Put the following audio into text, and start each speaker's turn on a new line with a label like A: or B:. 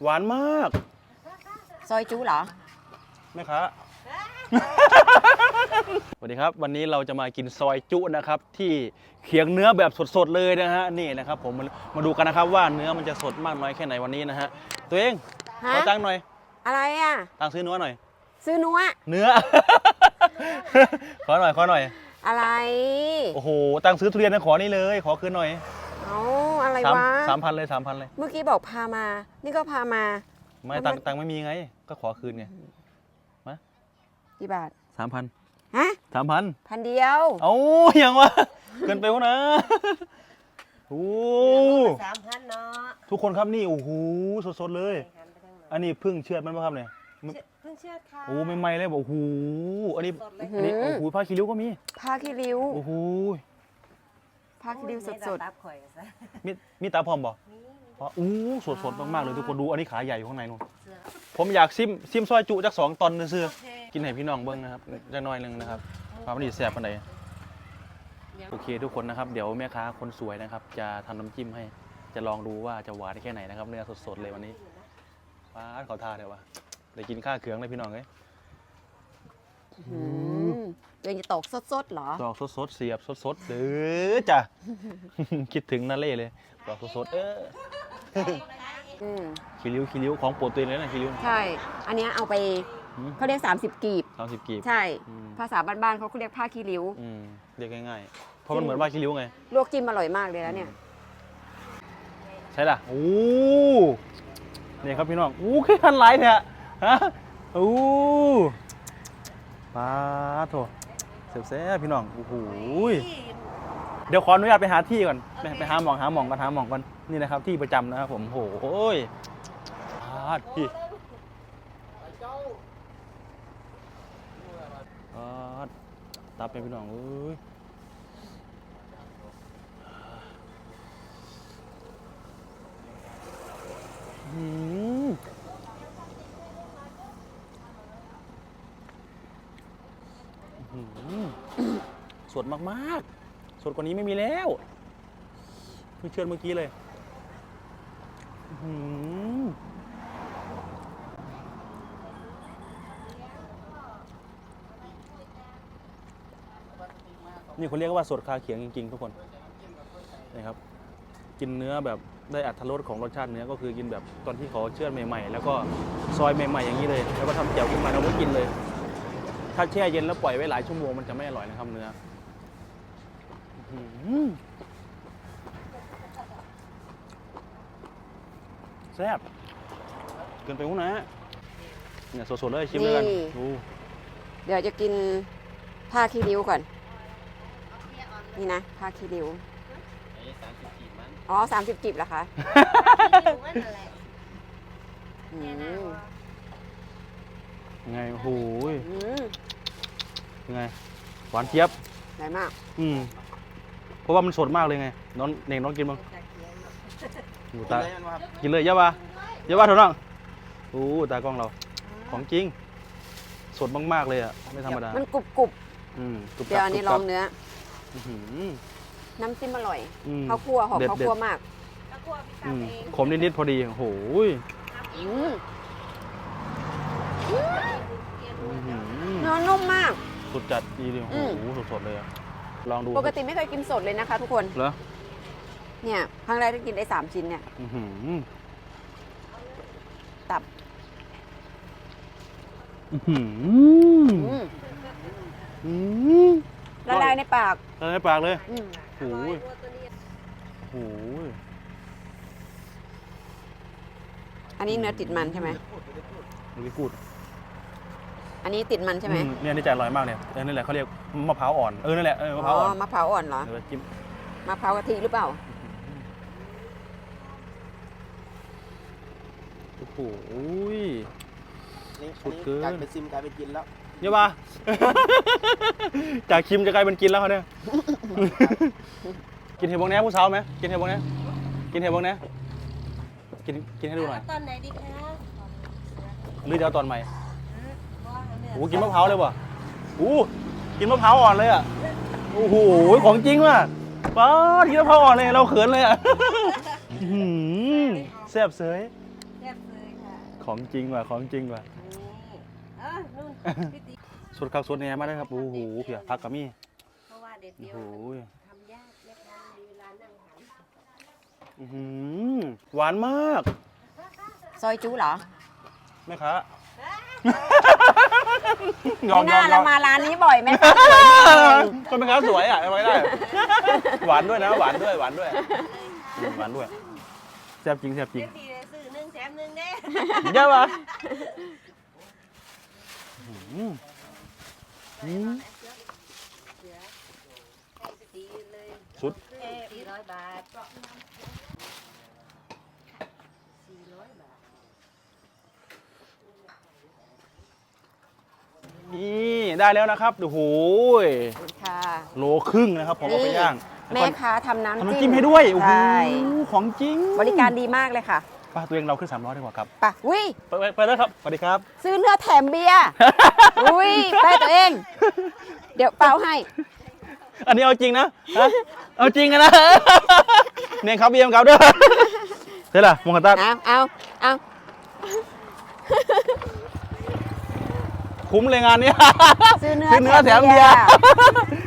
A: หวานมาก
B: ซอยจุเหรอ
A: แม่ค้า สวัสดีครับวันนี้เราจะมากินซอยจุนะครับที่เคียงเนื้อแบบสดๆเลยนะฮะนี่นะครับผมมาดูกันนะครับว่าเนื้อมันจะสดมากน้อยแค่ไหนวันนี้นะฮะตัวเองขอตังค์หน่อย
B: อะไรอ่ะ
A: ตังค์ซื้อเนื้อหน่อย
B: ซื้อเ
A: นื้อ ขอหน่อย
B: อะไร
A: โอ้โหตังค์ซื้อทุเรียนนะขอนี่เลยขอคืนหน่อย
B: เอาอะไรวะ
A: 3,000เลย
B: เมื่อกี้บอกพามานี่ก็พามา
A: ไม่ตังค์ไม่มีไงก็ขอคืนไงมา
B: กี่บาท
A: 3,000
B: ฮะ
A: 1,000
B: เดียว
A: เอ้าอย่างวะเกินไปวะนะโอ้
C: 3,000เนาะ
A: ทุกคนครับนี่โอ้โหสดๆเลยอันนี้พึ่งเชือดมันป่ะครับเนี่ย
C: เพิ่งเชื่อค่ะ
A: โอ้ไม่เลยบอกโอ้โหอันนี้โอ้โหผ้าคีริ้วก็มี
B: ผ้าคีริ้ว
A: โอ้โห
B: ผ้าคีริ้วสด
A: ๆมีตาพร้อมบ่อู้สดมากๆเลยทุกคนดูอันนี้ขาใหญ่อยู่ข้างในนู่นผมอยากซิมซอยจุจาก2 ตอนซื้อกินให้พี่น้องเบิ้งนะครับจะน้อยนึงนะครับความดีแซ่บปานใดโอเคทุกคนนะครับเดี๋ยวแม่ค้าคนสวยนะครับจะทำน้ำจิ้มให้จะลองดูว่าจะหวานแค่ไหนนะครับเนื้อสดๆเลยวันนี้ว้าขอทานเลยวะได้กินข้าวเขืองเลยพี่น้องเลย
B: ยังจะตอกสดๆเหรอ
A: ตอกสดๆเสียบสดๆเด้อจ้ะ คิดถึงนาเล่เลยตอกสดๆคีริ้วของโปรตีนเลยนะคีริ้ว
B: ใช่อันนี้เอาไปเขาเรียก30 กีบใช่ภาษาบ้านๆเขาเรียกผ้าคีริ้ว
A: เรียกง่ายๆเพราะมันเหมือนผ้าคีริ้วไง
B: ลวกจิ้มอร่อยมากเลยแล้วเนี่ย
A: ใช่ล่ะโอ้เนี่ยครับพี่น้องแค่ทันไลท์เนี่ยฮะปาโถเสียบพี่น้องโอ้โหเดี๋ยวขออนุญาตไปหาที่ก่อนไปหาหมองก่อนนี่นะครับที่ประจำนะครับผมโอ้ยพี่ตับเป็นพี่น้องสดมากๆสดกว่านี้ไม่มีแล้วเพิ่งเชื่อเมื่อกี้เลยนี่เขาเรียกว่าสดคาเขียงจริงๆทุกคนนะครับกินเนื้อแบบได้อรรถรสของรสชาติเนื้อก็คือกินแบบตอนที่เขาเชือดใหม่ๆแล้วก็ซอยใหม่ๆอย่างนี้เลยแล้วก็ทำแจ่วขึ้นมาแล้วก็กินเลยถ้าแช่เย็นแล้วปล่อยไว้หลายชั่วโมงมันจะไม่อร่อยนะครับเนื้อแซ่บเกินไปหุ้นนะเนี่ยสดๆเลยชิมเลยกัน
B: เดี๋ยวจะกินผ้าคีริ้วก่อนนี่นะผ้าคีริ้วอ๋อ30 กีบเหรอคะ
A: ไงโอ้โหไงหวานเจี๊ยบ
B: ใหญ่มาก
A: เพราะว่ามันสดมากเลยไงน้องกินบ้างดูตากินเลยเยอะป่ะเถอะน้องโอ้ตากล้องเราของจริงสดมากๆเลยอ่ะไม่ธรรมดา
B: มันกรุบเดี๋ยวอันนี้ลองเนื้อน้ำจิ้มอร่อยข้าวคั่วหอมข้าวคั่วมาก
A: ขมนิดๆพอดีโอ้โห
B: เนื้อนุ่มมาก
A: สุดจัดดีเลยโอ้โหสดๆเลยลองดู
B: ปกติไม่เคยกินสดเลยนะคะทุกคน
A: เหรอ
B: เนี่ยครั้งแรกที่กินได้3 ชิ้นเนี่ยตับละลายในปาก
A: เลยโอ้โห
B: อันนี้เนื้อติดมันใช่ไหม
A: ไม่พูด
B: อันนี้ติดมันใช่ไหม
A: เนี่ยนี่จะอร่อยมากเนี่ยนี่แหละเขาเรียกมะพร้าวอ่อนนั่นแหละมะพร้าวอ่อน
B: มะพร้าวอ่อนเหรอมะพร้าวกะทิหรือเปล่า
A: โอ้โหสุดเกิน
C: จากเป็นซิมกลายเป็นกินแล้ว
A: เยอะป่ะจากชิมจะกลายเป็นกินแล้วเขาเนี่ยกินเห็ดบงแหนผู้สาวไหมกินเห็ดบงแหนกินให้ดูหน่อย
C: ตอนไหนดีคะ
A: หรือจะเอาตอนใหม่โอ้กินมะพร้าวเลยว่ะกินมะพร้าวอ่อนเลยอ่ะโอ้โหของจริงว่ะป้ากินมะพร้าวอ่อนเลยเราเขินเลยอ่ะแซ่บเสยของจริงว่ะของจริงว่ะ
C: นู่นพี่ตี
A: สดข้าวสดแหน่มาเลยครับโอ้โหเพียพักกับมี่
C: เพราะว่าเด็ด
A: โอ้
C: เดียว
A: โห
C: ทำยากแม่ค้ามีเวลานั่งหัน
A: อื้อหือหวานมาก
B: ซอยจูเหรอ
A: แม่ค้า
B: ไม่น่าเรามาร้านนี้บ่อยไหมคะสวยจริง
A: คนแม่ค้าสวยอ่ะเอาไว้ได้ หวานด้วยนะหวานด้วยหวานด้วยหวานด้วยแซ่บจริงแซ่บจริง
C: เด็ดดีเลยซื้อหนึ่งแถมหนึ่งเด้
A: เยอะปะอืมอืม
C: ให้พี่ตีเลย
A: สุด
C: 400 บาท400 บาท
A: นี่ได้แล้วนะครับโอ้โห
B: ขอบคุณค่ะ
A: โลครึ่งนะครับผมเอาไปย่าง
B: แม่ค้าทำน้ำ
A: ทำ
B: จิ้
A: น้ำจิ้มให้ด้วยโอ้โห
B: ใช่
A: ของจริง
B: บริการดีมากเลยค่ะ
A: ป้าตัวเองเราขึ้น300ดีกว่าครับ
B: ไปอุ้ย
A: ไปเลยครับสวัสดีครับ
B: ซื้อเนื้อแถมเบียร์ อุ้ยไปตัวเอง เดี๋ยวเปล่าให้
A: อันนี้เอาจริงนะฮะเอาจริงกันนะ เนี่ยครับเบียมครับด้วยเฮ้ยล่ะมงคลตัด
B: เอา
A: คุ้มเลยงานนี้
B: ซื้อเนื้อ
A: แถมเบียร์